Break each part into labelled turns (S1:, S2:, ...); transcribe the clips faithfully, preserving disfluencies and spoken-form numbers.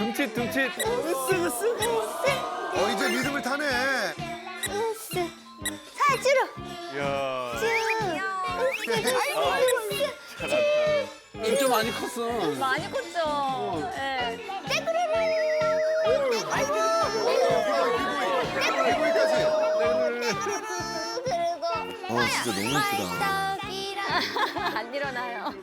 S1: 둠칫 둠칫. 으쓱 으쓱.
S2: 어 이제 리듬을 타네.
S3: 으쓱. 사 주로.
S1: 이야.
S3: 쭉. 으쓱 으쓱 으쓱.
S4: 진짜 많이 컸어.
S5: 많이 컸죠. 네.
S2: 아이고. 기고기까지.
S3: 그리고
S2: 어 진짜 너무 예쁘다.
S3: 떡이랑.
S5: 안 일어나요.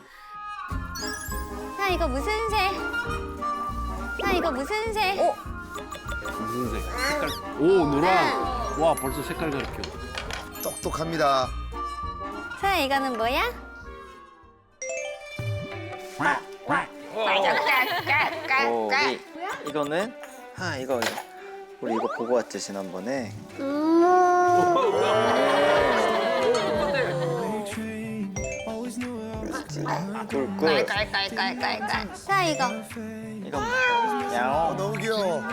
S3: 아 이거 무슨 새? 아 이거 무슨 새?
S5: 어?
S4: 무슨 색? 색깔. 오 노랑. 와 벌써 색깔 가르쳐.
S2: 똑똑합니다.
S3: 사 이거는 뭐야?
S6: 오, 우리 이거는 아 이거 이거. 우리 이거 보고 왔지 지난번에. 그렇지. 꿀꿀.
S3: 깔깔깔깔깔. 사 이거.
S6: 이건
S2: 어,
S6: 야옹.
S2: 너무 귀여워.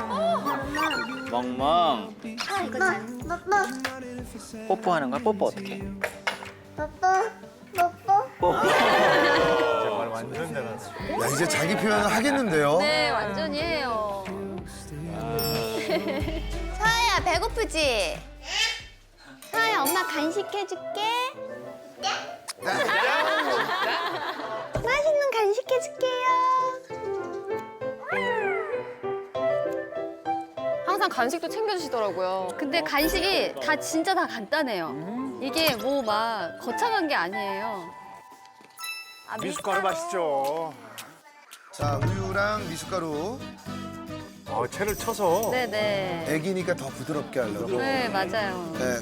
S6: 멍멍.
S3: 사 이거 뽀뽀.
S6: 뽀뽀하는 거야? 뽀뽀 어떻게?
S3: 뽀뽀. 뽀뽀.
S6: 뽀뽀.
S1: 말 완전 잘하네.
S2: 야 이제 자기 표현을 하겠는데요.
S5: 네, 완전히 해요.
S3: 서아야 배고프지? 서아야 엄마 간식 해줄게. 맛있는 간식 해줄게요.
S5: 항상 간식도 챙겨주시더라고요. 근데 간식이 다 진짜 다 간단해요. 이게 뭐 막 거창한 게 아니에요.
S1: 미숫가루 맛있죠.
S2: 자 우유랑 미숫가루.
S1: 어, 채를 쳐서.
S5: 네네.
S2: 애기니까 더 부드럽게 하려고.
S5: 네, 맞아요.
S2: 네.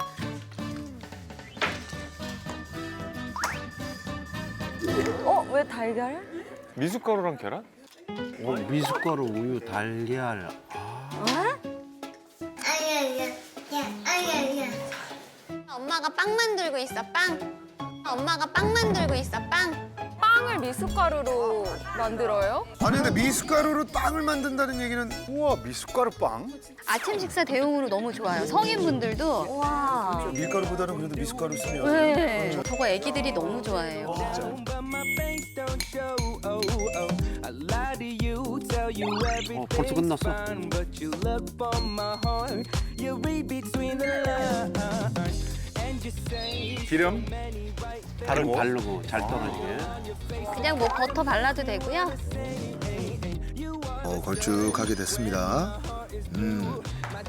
S5: 어, 왜 달걀?
S1: 미숫가루랑 계란?
S4: 어, 미숫가루, 우유, 달걀.
S3: 엄마가 빵 만들고 있어 빵. 엄마가 빵 만들고 있어 빵.
S5: 빵을 미숫가루로 만들어요?
S2: 아니 근데 미숫가루로 빵을 만든다는 얘기는
S1: 우와, 미숫가루 빵?
S5: 아침 식사 대용으로 너무 좋아요. 성인분들도. 와.
S2: 밀가루보다는 그래도 미숫가루 쓰면.
S5: 네. 저거 애기들이 너무 좋아해요.
S4: 어 벌써 끝났어.
S1: 기름?
S4: 바르고 바르고 잘 떠가지게.
S5: 그냥 뭐 버터 발라도 되고요.
S2: 어 걸쭉하게 됐습니다. 음.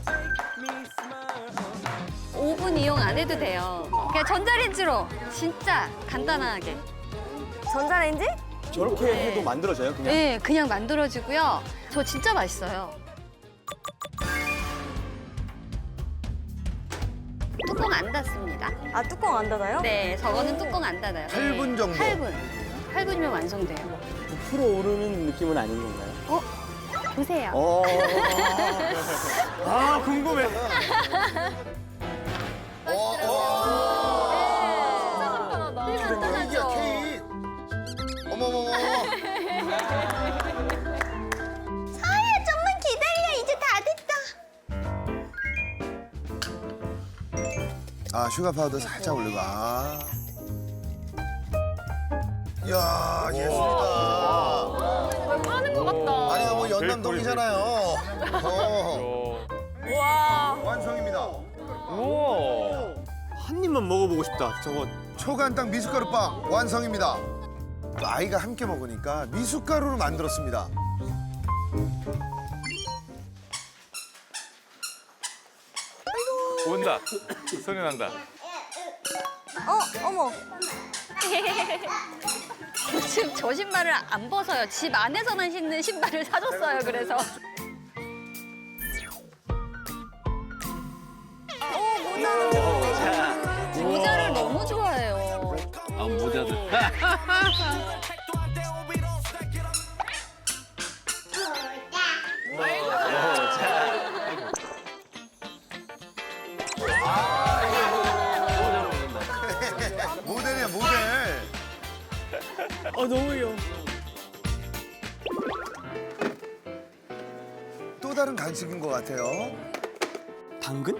S5: 오븐 이용 안 해도 돼요. 그냥 전자레인지로 진짜 간단하게.
S3: 전자레인지?
S6: 저렇게 해도 만들어져요 그냥?
S5: 네, 그냥 만들어지고요. 저 진짜 맛있어요. 뚜껑 안 닫습니다.
S3: 아 뚜껑 안 닫아요?
S5: 네, 저거는 뚜껑 안 닫아요.
S2: 팔 분 정도?
S5: 팔 분. 팔 분이면 완성돼요.
S6: 부풀어 오르는 느낌은 아닌 건가요?
S5: 어? 보세요.
S6: 어.
S1: 아, 궁금해.
S5: 되게
S2: 이게
S5: 간단하죠?
S2: 케이크. 어머머머.
S3: 서아야 좀만 기다려 이제 다 됐다.
S2: 아 슈가 파우더 살짝 올리고. 아. 이야 예술이다.
S5: 왜 파는 것 같다.
S2: 아니 뭐 연남동이잖아요. 어.
S5: 와.
S2: 완성입니다.
S1: 우와.
S6: 한 입만 먹어보고 싶다 저거.
S2: 초간당 미숫가루빵 완성입니다. 또 아이가 함께 먹으니까 미숫가루로 만들었습니다.
S1: 온다. 소리 난다.
S3: 어 어머.
S5: 지금 저 신발을 안 벗어요. 집 안에서만 신는 신발을 사줬어요. 그래서. 모자를 너무 좋아해요.
S4: 아 모자들.
S2: 모델이야 모델.
S6: 어 너무 귀여워.
S2: 또 다른 간식인 것 같아요.
S6: 당근?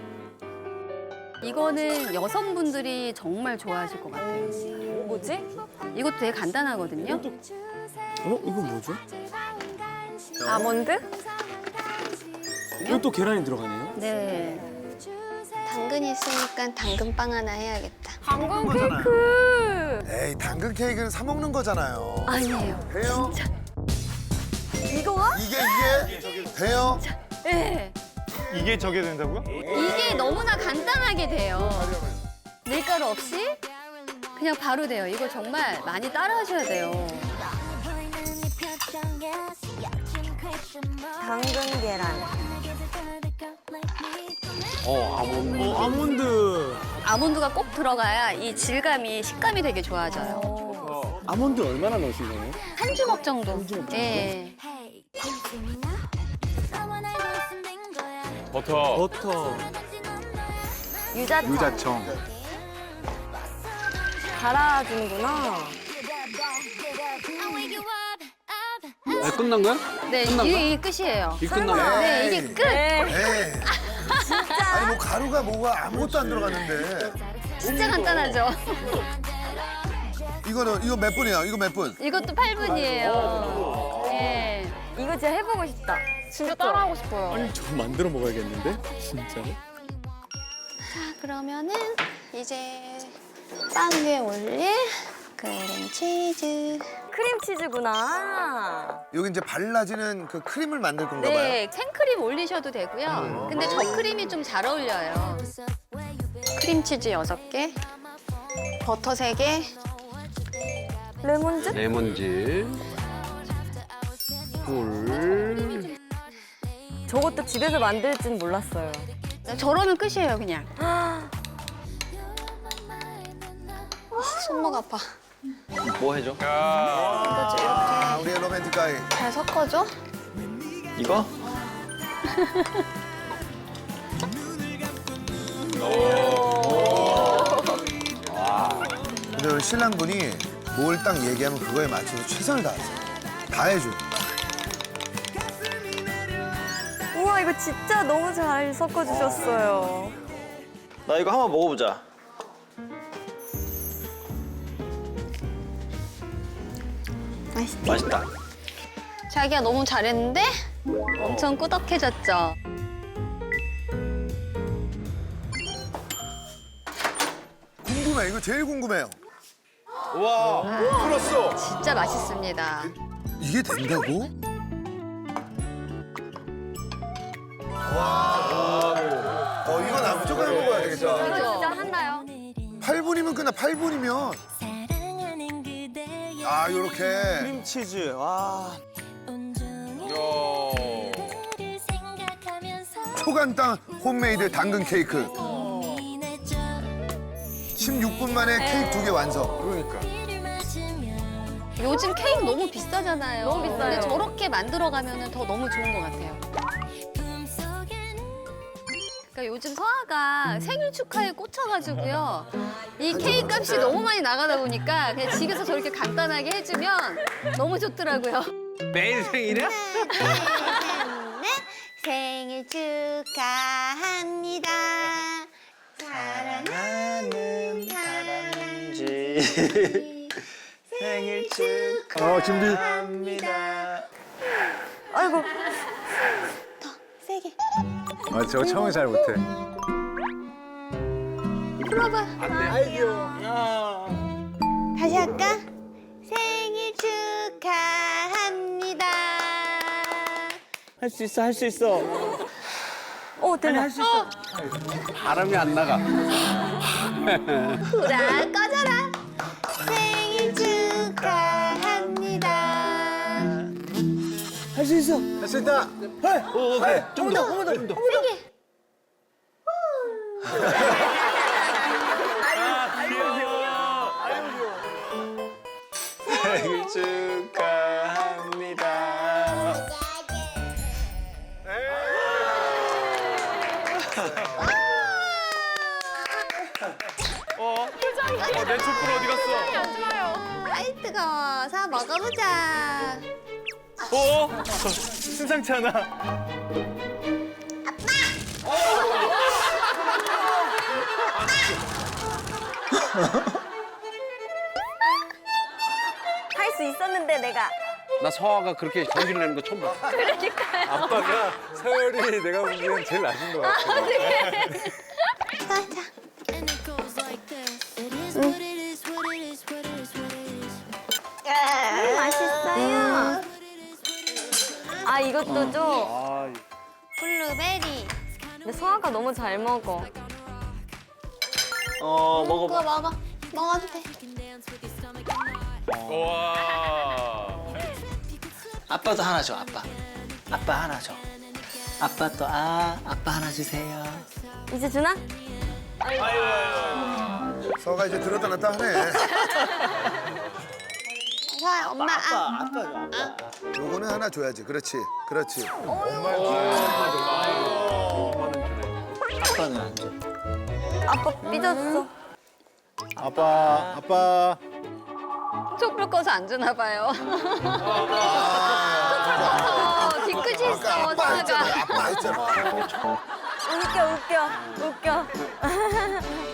S5: 이거는 여성분들이 정말 좋아하실 것 같아요.
S3: 뭐지?
S5: 이것도 되게 간단하거든요.
S6: 어 이거 뭐죠?
S7: 아몬드?
S8: 여기 또 계란이 들어가네요.
S5: 네.
S3: 당근이 있으니까 당근빵 하나 해야겠다.
S7: 당근 케이크.
S2: 에이 당근 케이크는 사 먹는 거잖아요.
S5: 아니에요.
S2: 돼요?
S7: 이거가?
S2: 이게 이게 돼요?
S5: 네.
S1: 이게 저게 된다고요?
S5: 이게 너무나 간단하게 돼요. 밀가루 없이 그냥 바로 돼요. 이거 정말 많이 따라 하셔야 돼요.
S7: 당근 계란.
S4: 어, 아몬드.
S8: 어, 아몬드.
S5: 아몬드가 꼭 들어가야 이 질감이, 식감이 되게 좋아져요.
S8: 아몬드 얼마나 넣으신 거예요?
S5: 한 주먹 정도. 예.
S1: 버터.
S8: 버터.
S7: 유자청.
S1: 유자청.
S7: 갈아주는구나.
S4: 아, 끝난 거야?
S5: 네,
S4: 끝난 거야?
S5: 이게, 이게 끝이에요.
S4: 이 끝난 거야?
S5: 네, 이게 끝.
S2: 에이. 아니 뭐 가루가 뭐가 아무것도 안 들어갔는데.
S5: 진짜 간단하죠.
S2: 이거는 이거 몇 분이야? 이거 몇 분?
S5: 이것도 팔 분이에요. 예.
S7: 이거 진짜 해보고 싶다. 진짜 따라하고 싶어요.
S8: 아니, 저 만들어 먹어야겠는데? 진짜로?
S3: 자, 그러면은 이제 빵 위에 올릴 크림치즈.
S7: 크림치즈구나.
S2: 여기 이제 발라지는 그 크림을 만들 건가 봐요.
S5: 네, 생크림 올리셔도 되고요. 근데 저 크림이 좀 잘 어울려요.
S3: 크림치즈 여섯 개, 버터 세 개,
S7: 레몬즙?
S4: 레몬즙. 꿀.
S7: 저것도 집에서 만들 줄 몰랐어요.
S5: 저러면 끝이에요, 그냥.
S3: 손목 아파.
S6: 뭐 해줘?
S1: 야.
S2: 아, 우리의 로맨틱 가이.
S3: 잘 섞어줘.
S6: 이거?
S2: 근데 우리 신랑분이 뭘 딱 얘기하면 그거에 맞춰서 최선을 다하세요. 다 해줘.
S7: 우와, 이거 진짜 너무 잘 섞어주셨어요.
S6: 나 이거 한번 먹어보자.
S3: 맛있지?
S6: 맛있다.
S5: 자기야 너무 잘했는데? 엄청 꾸덕해졌죠?
S2: 궁금해. 이거 제일 궁금해요.
S1: 와, 풀었어.
S5: 진짜 맛있습니다.
S2: 이게 된다고? 와. 어, 이거 나 무조건 해 먹어야 되겠다.
S5: 그죠?
S7: 진짜 한나요?
S2: 팔 분이면 끝나. 팔 분이면. 아, 요렇게.
S8: 크림치즈. 와.
S1: 야.
S2: 초간단 홈메이드 당근 케이크. 십육 분 만에 케이크 두 개 완성.
S1: 그러니까.
S5: 요즘 케이크 너무 비싸잖아요.
S7: 너무 비싸요.
S5: 근데 저렇게 만들어가면 더 너무 좋은 것 같아요. 그러니까 요즘 서아가 생일 축하에 꽂혀가지고요. 이 케이크 값이 너무 많이 나가다 보니까 그냥 집에서 저렇게 간단하게 해주면 너무 좋더라고요.
S4: 매일 생일이야?
S3: 생일 축하합니다. 사랑하는
S6: 다람쥐 생일
S1: 어, 준비.
S6: 축하합니다.
S7: 아이고.
S3: 세게.
S1: 아, 저거 처음에 잘 못해.
S5: 풀어봐.
S3: 다시 할까? 생일 축하합니다.
S8: 할 수 있어, 할 수 있어.
S7: 오, 대박.
S4: 바람이 안 나가.
S3: 불아 꺼져라. 생일 축하합니다.
S8: 할 수 있어.
S2: 할 수 있다.
S6: 오, 오케이. 좀 더, 좀 더, 좀 더. 생일 축하합니다.
S1: 어? 어, 내 촛불 어디 갔어?
S3: 아이 뜨거워. 사 먹어보자.
S1: 어? 심상치 않아.
S7: 할 수 있었는데 내가.
S4: 나 서아가 그렇게 전기를 내는 거 처음 봤어.
S1: 아빠가 서열이 내가 보기엔 제일 낮은 것 같아.
S3: 자, 자. 음, 맛있어요.
S7: 아 이것도 줘.
S8: 아,
S3: 블루베리.
S7: 근데 서아가 너무 잘 먹어.
S6: 어
S3: 그거
S6: 먹어봐.
S3: 먹어. 먹어도 돼.
S1: 와.
S6: 아빠도 하나 줘. 아빠. 아빠 하나 줘. 아빠 또 아 아빠 하나 주세요.
S7: 이제 주나?
S2: 서가 이제 들었다 놨다 하네.
S3: 서아야, 엄마. 아,
S6: 아빠 줘. 아빠.
S2: 요거는 하나 줘야지. 그렇지. 그렇지.
S6: 아빠는 안 줘.
S7: 아빠 삐졌어.
S1: 아빠, 아빠.
S5: 촛불 꺼서 안 주나 봐요.
S2: 아,
S5: 어, 뒤끝이 있어,
S2: 아까 아빠 했잖아.
S5: 서아가.
S2: 아빠 했잖아.
S7: 웃겨 웃겨 웃겨.